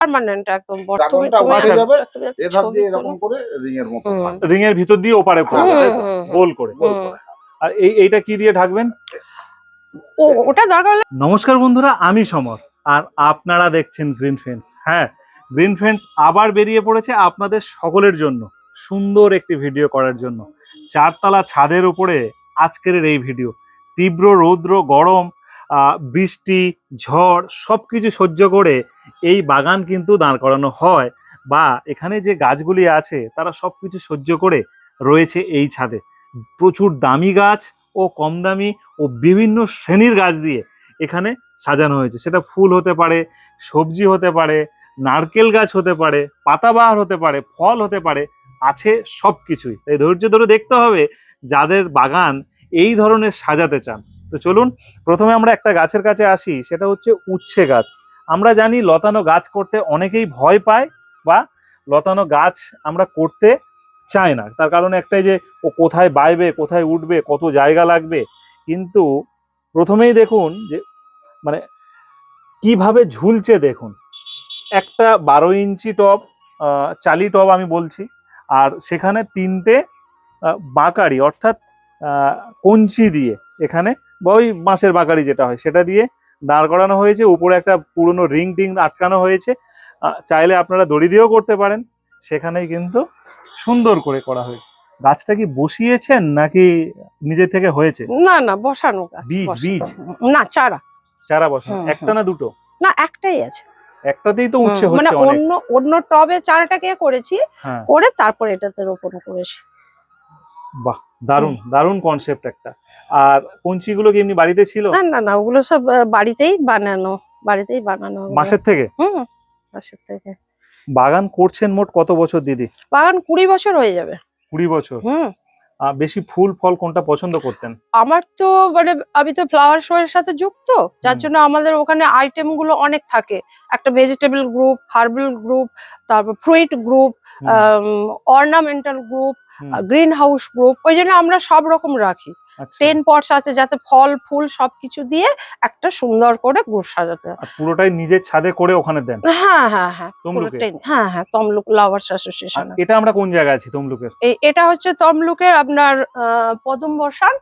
Permanent একদম ড্রাগনটা উঠে যাবে এধার দিয়ে এরকম করে রিং এর মতো রিং এর ভিতর দিয়ে ওপারে পড়বে তাই তো, গোল করে। আর এইটা কি দিয়ে ঢাকবেন? ওটা দরকার হলে। নমস্কার বন্ধুরা, আমি সমর আর আপনারা দেখছেন গ্রিন ফেন্স। হ্যাঁ, গ্রিন ফেন্স আবার বেরিয়ে পড়েছে আপনাদের সকলের জন্য সুন্দর একটি ভিডিও করার জন্য। চারতলা ছাদের উপরে আজকের এই ভিডিও। তীব্র রৌদ্র, গরম, বৃষ্টি, ঝড় সবকিছু সহ্য করে এই বাগান কিন্তু দাঁড় করানো হয়, বা এখানে যে গাছগুলি আছে তারা সবকিছু সহ্য করে রয়েছে এই ছাদে। প্রচুর দামি গাছ ও কম দামি ও বিভিন্ন শ্রেণীর গাছ দিয়ে এখানে সাজানো হয়েছে। সেটা ফুল হতে পারে, সবজি হতে পারে, নারকেল গাছ হতে পারে, পাতাবাহার হতে পারে, ফল হতে পারে, আছে সব কিছুই। তাই ধৈর্য ধরে দেখতে হবে যাদের বাগান এই ধরনের সাজাতে চান। তো চলুন প্রথমে আমরা একটা গাছের কাছে আসি, সেটা হচ্ছে উচ্ছে গাছ। আমরা জানি লতানো গাছ করতে অনেকেই ভয় পায় বা লতানো গাছ আমরা করতে চায় না, তার কারণ একটাই যে ও কোথায় বাইবে, কোথায় উঠবে, কত জায়গা লাগবে। কিন্তু প্রথমেই দেখুন যে মানে কিভাবে ঝুলছে দেখুন। একটা 12 ইঞ্চি টব, চালি টব আমি বলছি, আর সেখানে তিনটে বাঁকারি অর্থাৎ কঞ্চি দিয়ে এখানে, বা ওই বাঁশের বাঁকারি যেটা হয় সেটা দিয়ে দাঁড় করানো হয়েছে। উপরে একটা পুরনো রিং টিং আটকানো হয়েছে, চাইলে আপনারা দড়ি দিয়েও করতে পারেন। সেখানেই কিন্তু সুন্দর করে করা হয়েছে। গাছটা কি বসিয়েছেন নাকি নিজে থেকে হয়েছে? না না, বসানো গাছ। বীজ না, চারা। চারা বসানো। একটা না দুটো? না, একটাই আছে। একটাতেই তো উচ্ছে হচ্ছে। মানে অন্য টবে চারাটাকে করেছি, করে তারপর এটাতে রোপণ করেছি। বাহ, দারুণ দারুণ কনসেপ্ট একটা। আর কঞ্চিগুলো কি এমনি বাড়িতে ছিল? না না না, ওগুলো সব বাড়িতেই বানানো। মাসের থেকে? মাসের থেকে। বাগান করছেন মোট কত বছর দিদি? বাগান 20 বছর হয়ে যাবে। 20 বছর। বেশি ফুল ফল কোনটা পছন্দ করতেন? আমার তো মানে আমি তো ফ্লাওয়ার শো এর সাথে যুক্ত, যার জন্য আমাদের ওখানে আইটেম গুলো অনেক থাকে। একটা ভেজিটেবল গ্রুপ, হার্বাল গ্রুপ, তারপর fruit group, ornamental group, green house group. ওই জন্য আমরা সব রকম রাখি। 10 পটস আছে যাতে ফল ফুল সবকিছু দিয়ে একটা সুন্দর করে গ্রুপ সাজাতে হয়। পুরোটাই নিজের ছাদে করে ওখানে দেন? হ্যাঁ হ্যাঁ হ্যাঁ, পুরোটাই। হ্যাঁ হ্যাঁ, তমলুক লাভার্স অ্যাসোসিয়েশন। এটা আমরা কোন জায়গায় আছি তমলুকের? এটা হচ্ছে তমলুকের আপনার পদম বসান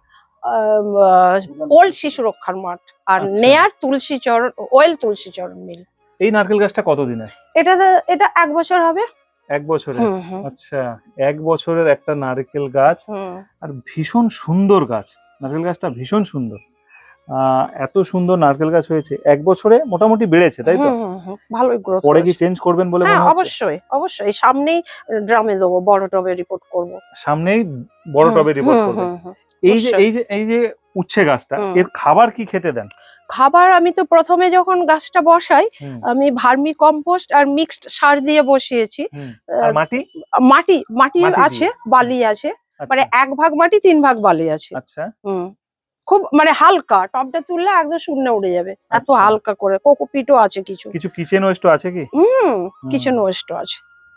ওল্ড শিশু রক্ষার মাঠ, আর নেয়ার তুলসীচরণ, ওয়েল তুলসীচরণ মিল। এই নারকেল গাছটা কতদিনের? এটা 1 বছর হবে। 1 বছরের? আচ্ছা, 1 বছরের একটা নারকেল গাছ, আর ভীষণ সুন্দর গাছ। নারকেল গাছটা ভীষণ সুন্দর। এত সুন্দর নারকেল গাছ হয়েছে 1 বছরে, মোটামুটি বেড়েছে তাই তো? ভালোই গ্রোথ। পরে কি চেঞ্জ করবেন বলে মনে হচ্ছে? অবশ্যই অবশ্যই, সামনেই ড্রামে দেবো, বড় টবে রিপোর্ট করব। সামনেই বড় টবে রিপোর্ট করবেন। এই যে উচ্ছে গাছটা, এর খাবার কি খেতে দেন? খাবার আমি তো প্রথমে যখন গাছটা বসাই আমি ভার্মি কম্পোস্ট আর মিক্সড সার দিয়ে বসিয়েছি। আর মাটি মাটি আছে, বালি আছে, মানে 1 ভাগ মাটি 3 ভাগ বালি আছে। আচ্ছা। খুব মানে হালকা, টবটা তুললে একদম শূন্যে উড়ে যাবে, এত হালকা করে। কোকোপিটও আছে কিছু কিচেন ওয়েস্ট আছে কি? কিচেন ওয়েস্টও আছে।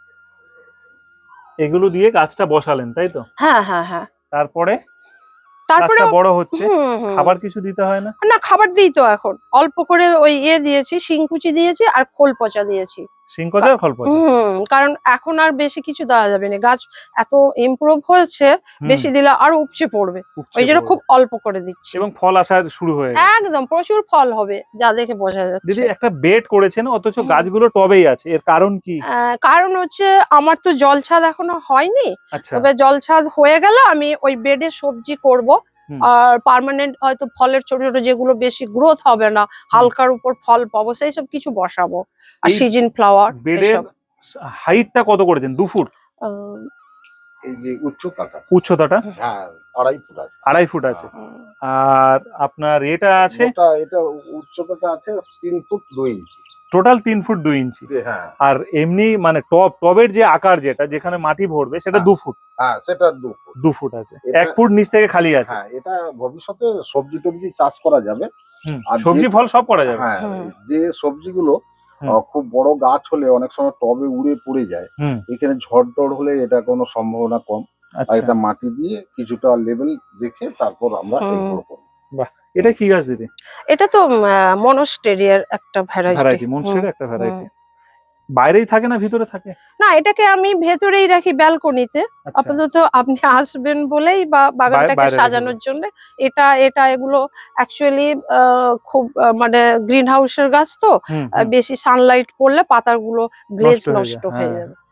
এগুলো দিয়ে গাছটা বসালেন তাই তো? হ্যাঁ হ্যাঁ হ্যাঁ। তারপরে গাছটা বড় হচ্ছে, খাবার কিছু দিতে হয় না? না, খাবার দিই তো এখন অল্প করে। ওই দিয়েছি, শিংকুচি দিয়েছি আর খোল পচা দিয়েছি। শিংকুচি আর খোল পচা? কারণ এখন আর বেশি কিছু দেওয়া যাবে না, গাছ এত ইমপ্রুভ হয়েছে, বেশি দিলে আর উপচে পড়বে। ওই জন্য খুব অল্প করে দিচ্ছি। এবং ফল আসা শুরু হয়ে গেছে। একদম প্রচুর ফল হবে, যা দেখে বোঝা যাচ্ছে। দিদি, একটা বেড করেছেন অথচ গাছগুলো টবেই আছে, এর কারণ কি? কারণ হচ্ছে আমার তো জল ছাদ এখনো হয়নি, তবে জল ছাদ হয়ে গেলে আমি ওই বেডে সবজি করব। আর পার্মানেন্ট হয়তো ফলের ছোট ছোট যেগুলো বেশি গ্রোথ হবে না, হালকার উপর ফল পাবো, সেই সব কিছু বসাবো। আর সিজন ফ্লাওয়ার। বেডের হাইটটা কত করেছেন? 2 ফুট? এই যে উচ্চতাটা? হ্যাঁ, 2.5 ফুট আছে। 2.5 ফুট আছে। আর আপনার এটা আছে? এটা উচ্চতাটা আছে 3 foot 2 inch. Total 3 foot 2 inch. হ্যাঁ। আর এমনি মানে টবের যে আকার যেটা যেখানে মাটি ভরবে সেটা 2 ফুট? হ্যাঁ, সেটা 2 ফুট আছে। 1 ফুট নিচ থেকে খালি আছে। হ্যাঁ, এটা ভবিষ্যতে সবজি টবজি চাষ করা যাবে। আর সবজি ফল সব করা যাবে। হ্যাঁ, যে সবজিগুলো খুব বড় গাছ হলে অনেক সময় টবে উড়ে পড়ে যায়, এখানে ঝড় টড় হলে এটা কোনো সম্ভাবনা কম। আর এটা মাটি দিয়ে কিছুটা লেভেল দেখে তারপর আমরা এগুলো করব। বাহ, এটা কি গাছ দিদি? এটা তো মনস্টেরিয়ার একটা ভ্যারাইটি। মনস্টেরিয়ার একটা ভ্যারাইটি। বাইরেই থাকে না ভিতরে থাকে? না, এটাকে আমি ভেতরেই রাখি ব্যালকনিতে। আচ্ছা, আপাতত আপনি আসবেন বলেই বা বাগানটাকে বাইরে সাজানোর রেখেছো। জন্য এটা এগুলো অ্যাকচুয়ালি খুব মানে গ্রিন হাউসের গাছ তো, হুম হুম, বেশি সানলাইট পড়লে পাতাগুলো গ্লেজ নষ্ট হয়ে নষ্ট যায়, হয়ে হ্যাঁ। যাবে।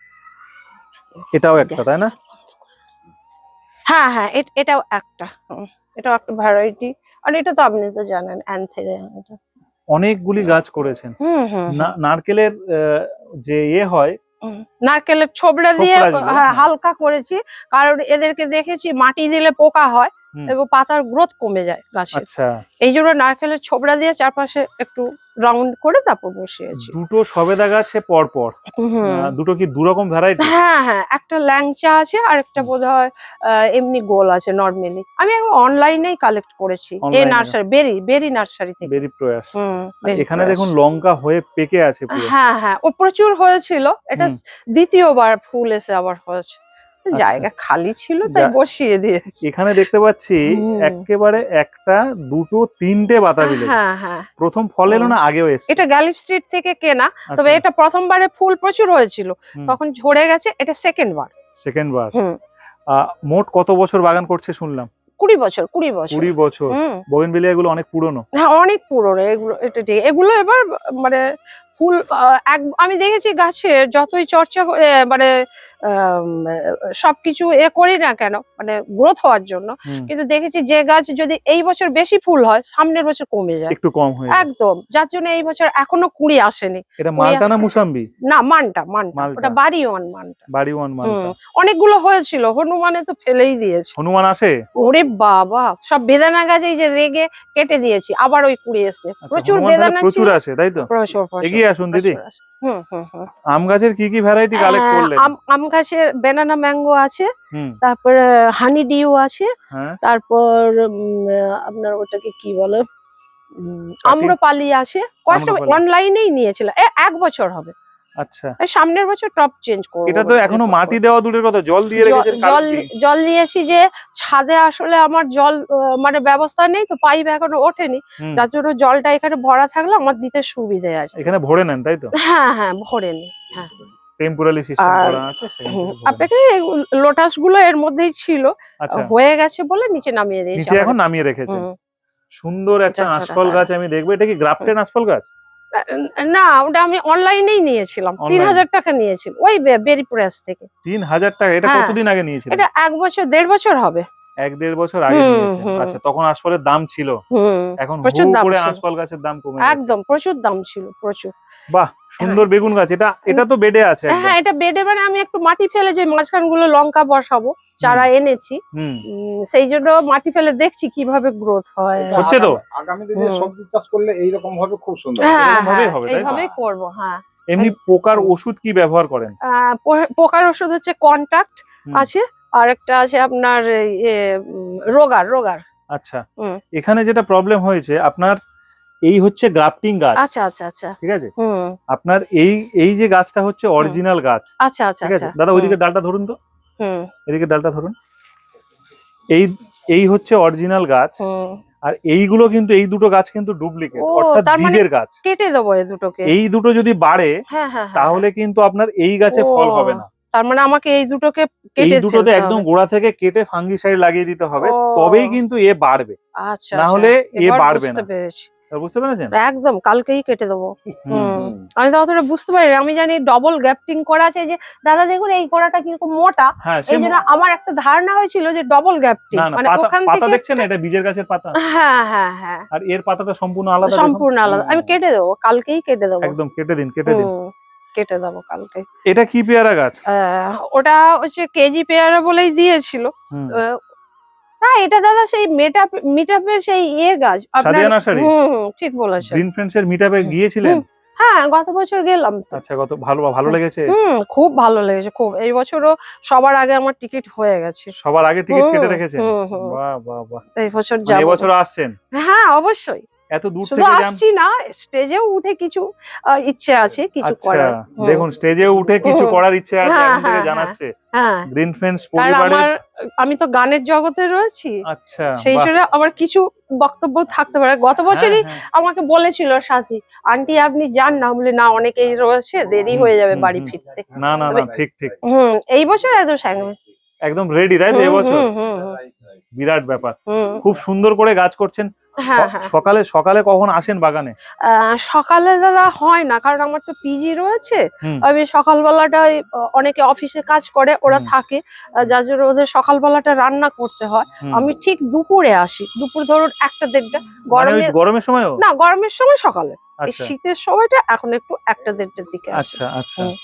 এটাও একটা, তাই না? হ্যাঁ হ্যাঁ, এটাও একটা, এটাও একটা ভ্যারাইটি। আর এটা তো আপনি তো জানেন অ্যান্থেরিয়াম এটা। অনেকগুলি গাছ করেছেন। হুম হুম হুম। নারকেলের যে ইয়ে হয়, নারকেলের ছোবড়া দিয়ে ছোবড়াগুলো, হ্যাঁ, হ্যাঁ। হালকা করেছি, কারণ এদেরকে দেখেছি মাটি দিলে পোকা হয় হুম, এবং পাতার গ্রোথ কমে যায় গাছের। আচ্ছা। এই জন্য নারকেলের ছোবড়া দিয়ে চারপাশে একটু রাউন্ড করে তারপর বসিয়েছি। দুটো সবেদা গাছে পর পর, হুম। দুটো কি দু রকম ভ্যারাইটি? হ্যাঁ হ্যাঁ, একটা ল্যাংচা আছে আর একটা বোধহয় এমনি গোল আছে নর্মালি। আমি অনলাইনেই কালেক্ট করেছি, এই অনলাইনে নার্সারি বেরি নার্সারি থেকে। বেরি প্রয়াস। আর বেরি এখানে প্রয়াস। দেখুন লঙ্কা হয়ে পেকে আছে পুরো। হ্যাঁ হ্যাঁ, ও প্রচুর হয়েছিল, এটা হুম, দ্বিতীয়বার ফুল এসে আবার হয়েছে। আচ্ছা। জায়গা খালি ছিল তাই বসিয়ে দিয়েছি। এখানে দেখতে পাচ্ছি হুম। একেবারে একটা, দুটো, তিনটে বাতাবি লেবু। হ্যাঁ হ্যাঁ। প্রথম ফল এলো না, আগেও এসছে? এটা গ্যালিফ স্ট্রিট থেকে কেনা, তবে আচ্ছা, এটা প্রথমবারে ফুল প্রচুর হয়েছিল, হুম, তখন ঝরে গেছে, এটা সেকেন্ড বার। সেকেন্ড বার। হুম। মোট কত বছর বাগান করছে শুনলাম? 20 বছর 20 বছর। 20 বছর। হুম। বোগেনভিলিয়া এগুলো অনেক পুরনো। হ্যাঁ, অনেক পুরনো এগুলো, এটা ঠিক। এগুলো এবার মানে ফুল আমি দেখেছি গাছের যতই চর্চা মানে সবকিছু করি না কেন, মানে গ্রোথ হওয়ার জন্য, হুম, কিন্তু দেখেছি যে গাছ যদি এই বছর বেশি ফুল হয় সামনের বছর কমে যায় একটু কম হয়ে যায়। একদম। যার জন্য এই বছর এখনো কুড়ি আসেনি। এটা কুড়ি মালটা না আসতে মুসাম্বি? না, মানটা মানটা মালটা, ওটা বাড়ি ওয়ান মানটা। বাড়ি ওয়ান মালটা। অনেকগুলো হয়েছিল, হনুমানে তো ফেলেই দিয়েছে। হনুমান আসে? ওরে বাবা, সব বেদানা গাছ এই যে রেগে কেটে দিয়েছি, আবার ওই কুড়ি এসছে। আচ্ছা, প্রচুর হনুমান তাহলে বেদানা প্রচুর ছিল। আসে, তাই তো? প্রচুর প্রচুর এগিয়ে আসুন দিদি। প্রচুর আসে। হুম হুম হুম। আম গাছের কি কি ভ্যারাইটি কালেক্ট করলেন? আম গাছের বেনানা ম্যাঙ্গো আছে, হুম, তারপরে হানি ডিউ আছে, হ্যাঁ, তারপর আপনার ওটাকে কি বলে, চাটি? আম্রপালি আছে। কয়েকটা আম্রপালি। অনলাইনেই নিয়েছিলাম, এক বছর হবে। আচ্ছা, এই সামনের বছর টপ চেঞ্জ করবো এটা তো বোধহয় এখনো এরপর মাটি করে। দেওয়া দূরের কথা, জল দিয়ে রেখেছেন জল কালকে। জল দিয়েছি যে ছাদে আসলে আমার জল মানে ব্যবস্থা নেই তো, পাইপ এখনো ওঠেনি, হুম, যার জন্য জলটা এখানে ভরা থাকলে আমার দিতে সুবিধে আর কি। এখানে ভরে নেন, তাই তো? হ্যাঁ হ্যাঁ, ভরে নি। হ্যাঁ। টেম্পোরারি সিস্টেম আর করা আছে, সেখান থেকে ভরে নেন। আপনাকে লোটাস গুলো এর মধ্যেই ছিল, আচ্ছা, হয়ে গেছে বলে নিচে নামিয়ে দিয়েছি নিচে আবার। এখন নামিয়ে রেখেছেন। হুম। সুন্দর একটা যাচ্ছাটা আঁশফল তারা। গাছ আমি দেখবো, এটা কি গ্রাফটেড আঁশফল গাছ? না, ওটা আমি অনলাইনেই নিয়েছিলাম, অনলাইন? 3000 টাকা নিয়েছিল ওই বেরি প্রেস থেকে। 3000 টাকা? এটা হ্যাঁ, কতদিন আগে নিয়েছিলেন? এটা 1 বছর 1.5 বছর হবে। 1-1.5 বছর আগে হুম নিয়েছেন। হুম আচ্ছা, তখন আঁশফলের দাম ছিল। হুম। এখন হু প্রচুর দাম করে ছিল, আঁশফল গাছের দাম কমে গেছে। একদম প্রচুর দাম ছিল, প্রচুর। বাহ, সুন্দর বেগুন গাছ। এটা তো বেডে আছে একদম। হ্যাঁ, এটা বেডে, মানে আমি একটু মাটি ফেলে যে মাঝখান গুলো লঙ্কা বসাবো, চারা এনেছি, হুম, সেই জন্য মাটি ফেলে দেখছি কিভাবে গ্রোথ হয়। এটা হচ্ছে তো? আগামী দিনে হুম। সবজি চাষ করলে এইরকম ভাবে খুব সুন্দর হবে। হ্যাঁ এরকম ভাবেই হ্যাঁ, হবে, তাই তো? এইভাবেই করবো। হ্যাঁ। এমনি পোকার হুম। ওষুধ কি ব্যবহার করেন? পোকার ওষুধ হচ্ছে কন্টাক্ট হুম, আছে, আর একটা আছে আপনার রোগার রোগার। আচ্ছা। হুম। এখানে যেটা প্রবলেম হয়েছে আপনার, এই হচ্ছে গ্রাফটিং গাছ, আচ্ছা আচ্ছা আচ্ছা। ঠিক আছে? হুম আপনার এই এই যে গাছটা হচ্ছে হুম। অরিজিনাল গাছ, আচ্ছা আচ্ছা ঠিক আছে? আচ্ছা। দাদা হুম ওইদিকে ডালটা ধরুন তো, হুম এদিকে ডালটা ধরুন। এই এই হচ্ছে অরিজিনাল গাছ, হুম। আর এইগুলো কিন্তু, এই দুটো গাছ কিন্তু ডুপ্লিকেট, ও, অর্থাৎ তার মানে বীজের গাছ। কেটে দেবো এই দুটোকে। এই দুটো যদি বাড়ে হ্যাঁ হ্যাঁ হ্যাঁ তাহলে কিন্তু আপনার এই গাছে ও, ফল হবে না। তার মানে আমাকে এই দুটোকে এই কেটে দুটোতে ফেলতে একদম হবে। গোড়া থেকে কেটে ফাঙ্গিসাইড লাগিয়ে দিতে হবে, ও, তবেই কিন্তু এ বাড়বে, আচ্ছা না আচ্ছা, হলে এ এবার বাড়বে বুঝতে না। পেরেছি। বুঝতে পেরেছেন? একদম কালকেই কেটে দেবো। হুম, হুম। আমি তো অতটা বুঝতে পারি না, আমি জানি ডবল গ্যাপটিং করা আছে। এই যে দাদা দেখুন এই গোড়াটা কিরকম মোটা, হ্যাঁ, এই জন্য আমার একটা ধারণা হয়েছিল যে ডবল গ্যাপটিং, না না, মানে পাতা ওখান পাতা থেকে দেখছেন, এটা বীজের গাছের পাতা, হ্যাঁ হ্যাঁ হ্যাঁ, আর এর পাতাটা সম্পূর্ণ আলাদা, দেখুন। সম্পূর্ণ আলাদা। আমি কেটে দেবো, কালকেই কেটে দেবো। একদম কেটে দিন, কেটে দিন। কেটে দেবো কালকে। এটা কি পেয়ারা গাছ? ওটা হচ্ছে কেজি পেয়ারা বলেই দিয়েছিল। হুম, আহ, না, এটা দাদা সেই মিটআপের সেই গাছ আপনার। সাদিয়া নার্সারি? ঠিক বলেছেন। গ্রিন ফ্রেন্ডস এর মিটআপে হুম, গিয়েছিলেন? হুম। হ্যাঁ, গত বছর গেলাম তো। আচ্ছা, কত ভালো ভালো লেগেছে? খুব ভালো লেগেছে, খুব। এই বছরও সবার আগে আমার টিকিট হয়ে গেছে। সবার আগে টিকিট কেটে রেখেছেন? হুম। বাহ বাহ বাহ। এই বছর মানে যাবো। এবছর আসছেন? হ্যাঁ, অবশ্যই। এত দূর শুধু থেকে আসছি না, স্টেজেও উঠে কিছু ইচ্ছে আছে কিছু আচ্ছা করার। দেখুন স্টেজে উঠে কিছু করার ইচ্ছে আছে হ্যাঁ, এখন থেকে হ্যাঁ, জানাচ্ছে হ্যাঁ, গ্রিন ফ্রেন্ডস কারণ পরিবারের। আমি তো গানের জগতে রয়েছি, আচ্ছা সেই বাহ, জন্য আমার কিছু বক্তব্য থাকতে পারে। গত হ্যাঁ বছরই হ্যাঁ আমাকে বলেছিল সাথী, আন্টি আপনি যান না, বলে না অনেকেই রয়েছে, দেরি হুম, হয়ে যাবে হুম, বাড়ি হুম। ফিরতে। না না তবে না ঠিক ঠিক এই বছর একদম সামনে। একদম রেডি তাই তো হুম, এবছর হুম, হুম, হুম, বিরাট ব্যাপার। হুম। খুব সুন্দর করে গাছ করছেন। হ্যাঁ, হ্যাঁ। সকালে সকালে কখন আসেন বাগানে? সকালে দাদা হয় না, কারণ আমার তো পিজি রয়েছে। হুম আমি সকালবেলাটাই অনেকে অফিসে কাজ করে, ওরা হুম, থাকে, যার জন্য ওদের সকালবেলাটা রান্না করতে হয়। হুম। আমি ঠিক দুপুরে আসি, দুপুর ধরুন 1টা-1:30টা। মানে ওই গরমে গরমের সময়ও? না, গরমের সময় সকালে। এই আচ্ছা শীতের সময়টা এখন একটু 1টা-1:30টার দিকে আসি। আচ্ছা আচ্ছা। হুম।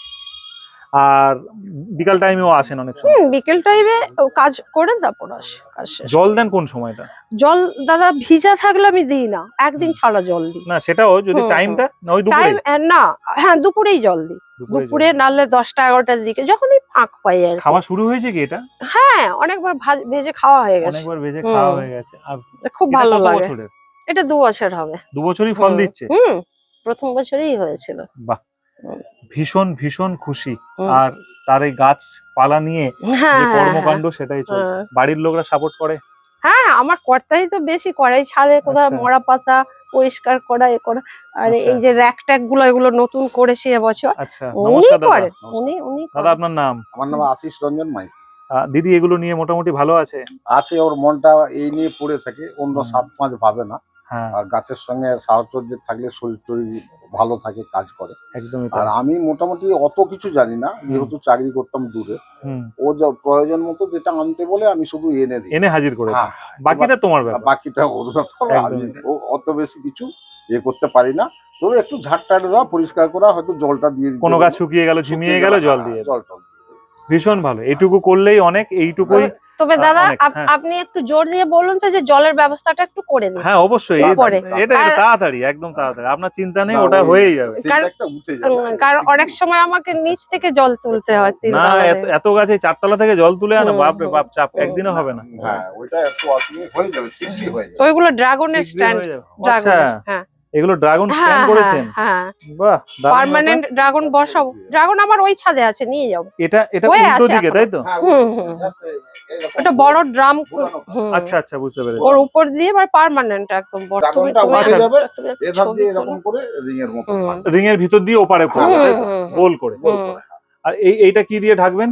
আর বিকাল টাইমেও আসেন অনেক সময়? বিকেল টাইমে কাজ করে তারপর আসি, কাজ শেষ জল করে। দেন কোন সময়টা? জল দাদা ভিজা থাকলে আমি দিই না, একদিন হুম। ছাড়া জল দিই। না সেটাও যদি হুম, হুম। টাইমটা না ওই দুপুরে? টাইম না, হ্যাঁ দুপুরেই জল দিই। দুপুরে নাহলে 10টা-11টার দিকে, যখনই ফাঁক পাই আর কি। খাওয়া শুরু হয়েছে কি এটা? হ্যাঁ, অনেকবার ভেজে খাওয়া হয়ে গেছে। অনেকবার ভেজে হুম। খাওয়া হয়ে গেছে। আর খুব এটা ভালো কত লাগে। বছরের? এটা 2 বছর হবে। 2 বছরই ফল হুম, দিচ্ছে? হুম, প্রথম বছরেই হয়েছিল। বাহ, হুম, ভীষণ ভীষণ খুশি। হুম। আর তার এই গাছপালা নিয়ে হ্যাঁ, যে হ্যাঁ, কর্মকাণ্ড সেটাই চলছে। হ্যাঁ। বাড়ির লোকরা সাপোর্ট করে? হ্যাঁ, আমার কর্তাই তো বেশি করে। এই ছাদে কোথাও আচ্ছা মরা পাতা পরিষ্কার করা, এ করা। আর আচ্ছা এই যে র‍্যাক ট্যাক গুলো, এগুলো নতুন করেছি এবছর। আচ্ছা। উনি নমস্কার দাদা। করেন, উনি দাদা করেন। আপনার নাম? আমার নাম আশিস রঞ্জন মাইতি। দিদি এগুলো নিয়ে মোটামুটি ভালো আছে? আছে, ওর মনটা এই নিয়ে পড়ে থাকে, অন্য হুম। 7-5 ভাবে না। হ্যাঁ আর গাছের সঙ্গে সাহচর্য থাকলে শরীর টরীর ভালো থাকে, কাজ করে। একদমই আর তাই। আমি মোটামুটি অত কিছু জানি না, যেহেতু চাকরি করতাম দূরে। হুম। ও যা প্রয়োজন মতো যেটা আনতে বলে আমি শুধু এনে দিই। এনে হাজির করে হ্যাঁ, দেন। বাকিটা তোমার ব্যাপার। বাকিটা ওর ব্যাপার। আমি একদমই তাই। অত বেশি কিছু করতে পারি না। তবে একটু ঝাড়-টাড় দেওয়া, পরিষ্কার করা, হয়তো জলটা দিয়ে দিতে কোনো বলবো। গাছ শুকিয়ে গেল ঝিমিয়ে গেল জল দিয়ে দেন। জল টল দিয়ে দেবো। ভীষণ ভালো, এটুকু করলেই অনেক। এইটুকুই তবে দাদা অনেক। হ্যাঁ আপনি একটু জোর দিয়ে বলুন তো, যে জলের ব্যবস্থাটা একটু করে দিন হ্যাঁ অবশ্যই উপরে। এটা আর তাড়াতাড়ি, একদম তাড়াতাড়ি, আপনার চিন্তা নেই, না, ওটা ওই হয়েই যাবে। সিনট্যাক্সটা উঠে যাবে। কারণ অনেক সময় আমাকে নিচ থেকে জল তুলতে হয়, না 3 তলা এত থেকে। এত গাছে 4 তলা থেকে জল তুলে আনা, হুম, বাপরে হুম, বাপ, চাপ হুম। একদিনও হবে না। হ্যাঁ, ওইটা একটু অসুবিধা হয়ে যাবে, শীঘ্রই হয়ে তো যাবে। ওইগুলো ড্রাগনের শীঘ্রই স্ট্যান্ড, হয়ে যাবে। আচ্ছা ড্রাগনের, হ্যাঁ এগুলো ড্রাগন স্ট্যান্ড হ্যাঁ, করেছেন? হ্যাঁ। বাহ দারুণ ব্যাপার। পার্মানেন্ট ড্রাগন বসাবো। ড্রাগন আমার ওই ছাদে আছে, নিয়ে যাবো। এটা এটা হয়ে উল্টো আছে দিকে এখনো। তাই তো? হ্যাঁ, হুম, হুম। just এইরকম ওটা বড় ড্রাম। ঘোরানো। আচ্ছা আচ্ছা বুঝতে পেরেছি। ওর উপর দিয়ে এবার পার্মানেন্ট একদম তুমি ড্রাগনটা তুমি উঠে যাবে, তুমি একটা এধার ছবি দিয়ে তোলো। এরকম করে রিং এর মতো হুম। থাকবে। রিং এর ভিতর দিয়ে ওপারে পড়বে তাই তো? হুম, হুম, গোল করে। গোল হুম। করে। আর এইটা কি দিয়ে ঢাকবেন?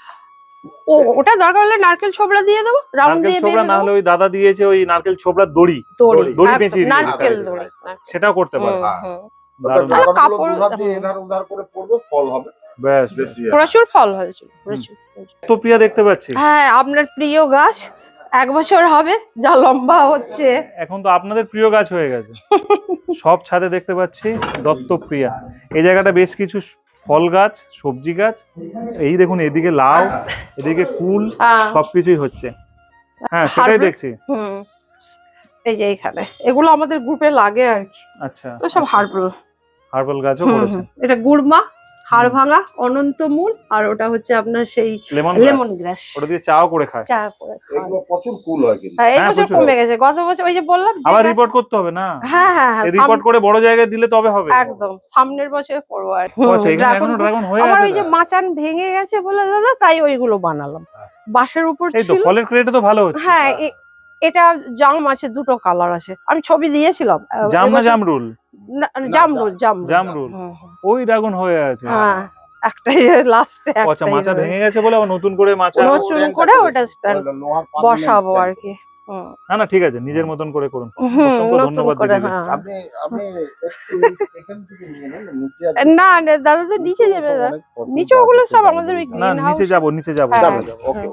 ওটা দরকার হলে নারকেল ছোবড়া দিয়ে দেবো, রাউন্ড নারকেল দিয়ে ছোবড়া, বেঁধে না দেবো। হলে ওই দাদা দিয়েছে ওই নারকেল ছোবড়ার দড়ি, দড়ি একদম, পেঁচিয়ে দিয়ে নারকেল দিতে দড়ি। সেটাও করতে পারে। হুম, হুম। দারুণ। তাহলে ড্রাগনগুলো কাপড়, দুধার দিয়ে এধার ওধার করে পড়বে, ফল হবে বেশ বেশ। বেশি। প্রচুর ফল হয়েছিল, প্রচুর। তো প্রিয়া দেখতে পাচ্ছি। হ্যাঁ, আপনার প্রিয় গাছ 1 বছর হবে, যা লম্বা হচ্ছে। এখন তো আপনাদের প্রিয় গাছ হয়ে গেছে। সব ছাদে দেখতে পাচ্ছি দত্তপ্রিয়া। এই জায়গাটা বেশ কিছু ফল গাছ, সবজি গাছ, এই দেখুন এদিকে লাউ, এদিকে কুল, হ্যাঁ। সবকিছুই হচ্ছে। হ্যাঁ সেটাই হার্বাল- দেখছি। হুম, এই যে এইখানে এগুলো আমাদের গ্রুপে লাগে আর কি। আচ্ছা তো সব হার্বাল। হার্বাল গাছও করেছেন। এটা গুড়মা, হাড় ভাঙা, অনন্তমূল, আর ওটা হচ্ছে আপনার সেই লেমন লেমন গ্রাস। ওটা দিয়ে চাও করে খায়। চা করে খাওয়া। এগুলো প্রচুর কুল হয় কিন্তু। হ্যাঁ, এই হ্যাঁ, বছর প্রচুর। কমে গেছে, গত বছর ওই যে বললাম যে আবার গাছ- রিপোর্ট করতে হবে না? হ্যাঁ, হ্যাঁ, হ্যাঁ, রিপোর্ট করে বড় জায়গায় দিলে তবে হবে। একদম সামনের বছর করবো আর ও আচ্ছা, এখানে এখনো ড্রাগন হয়ে আমার আছে ওই যে তো? মাচান ভেঙে গেছে বলে দাদা, তাই ওইগুলো বানালাম। বাঁশের উপর এই তো ছিল। ফলের ক্রেটে তো ভালো হচ্ছে। হ্যাঁ, এটা জাম আছে, 2টো কালার আছে, আমি ছবি দিয়েছিলাম। জাম না এবছর- জামরুল? জামরুল, জামরুল। হুম, ওই ড্রাগন হয়ে আছে। হ্যাঁ, একটাই লাস্টে ও আচ্ছা, মাচা ভেঙে গেছে বলে আবার নতুন করে মাচা। নতুন করে ওটা stand বসাবো আর কি। হুম, না না ঠিক আছে, নিজের মতন করে করুন। অসংখ্য নতুন ধন্যবাদ করে, দিদিকে। হ্যাঁ। আপনি আপনি একটু এখান থেকে নিয়ে নেন, নিচে আছে। না না, দাদা তো নিচে যাবে, দাদা। অনেক পছন্দ নিচে ওগুলো আছে, সব দারুণ আমাদের ওই দারুণ। না green নিচে house- যাব, নিচে যাব। হ্যাঁ, যাবে, যাবে, ওকে।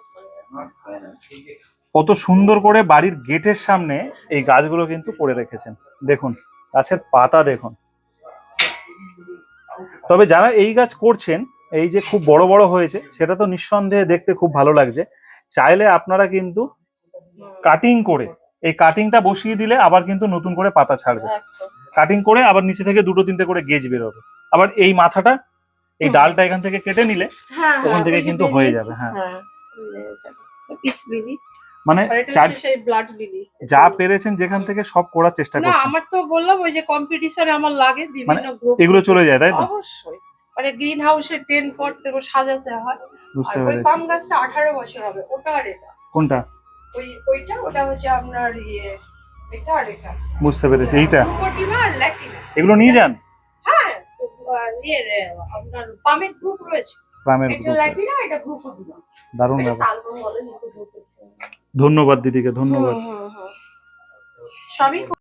কত সুন্দর করে বাড়ির গেটের সামনে এই গাছগুলো কিন্তু করে রেখেছেন। দেখুন গাছের পাতা দেখুন। তবে যারা এই গাছ করছেন, এই যে খুব বড় বড় হয়েছে, সেটা তো নিঃসন্দেহে দেখতে খুব ভালো লাগছে। চাইলে আপনারা কিন্তু কাটিং করে, এই কাটিংটা বসিয়ে দিলে আবার কিন্তু নতুন করে পাতা ছাড়বে। একদম। কাটিং করে আবার নিচে থেকে 2-3টে করে গেজ বেরোবে। আবার এই মাথাটা, এই ডালটা এখান থেকে কেটে নিলে হ্যাঁ, ওখান থেকে ওই যে কিন্তু হয়ে বেরিয়েছে। যাবে। হ্যাঁ হ্যাঁ, বেরিয়ে যাবে। Peace lily. মানে আর এটা চার হচ্ছে সেই ব্লাড লিলি। যা পেরেছেন যেখান থেকে সব করার চেষ্টা না করছেন। আমার তো বললাম ওই যে কম্পিটিশনে আমার লাগে বিভিন্ন গ্রুপ, এগুলো চলে যায় তাই তো? অবশ্যই, মানে গ্রিন হাউসে 10 পট এগুলো সাজাতে হয়। বুঝতে আর ওই পেরেছি। পাম গাছটা 18 বছর হবে, ওটা আর এটা। কোনটা? ওইটা ওটা হচ্ছে আপনার এটা আর এটা। বুঝতে পেরেছি। এইটা গ্লুকোটিমা আর ল্যাটিনা। এগুলো নিয়ে যান? হ্যাঁ, আপনার পামের গ্রুপ রয়েছে। গ্রামের এটা গ্রুপে। ল্যাটিনা, এটা গ্লুকোটিমা। দারুণ এটা ব্যাপার। তালবন বলে, ধন্যবাদ দিদিকে, ধন্যবাদ। সবই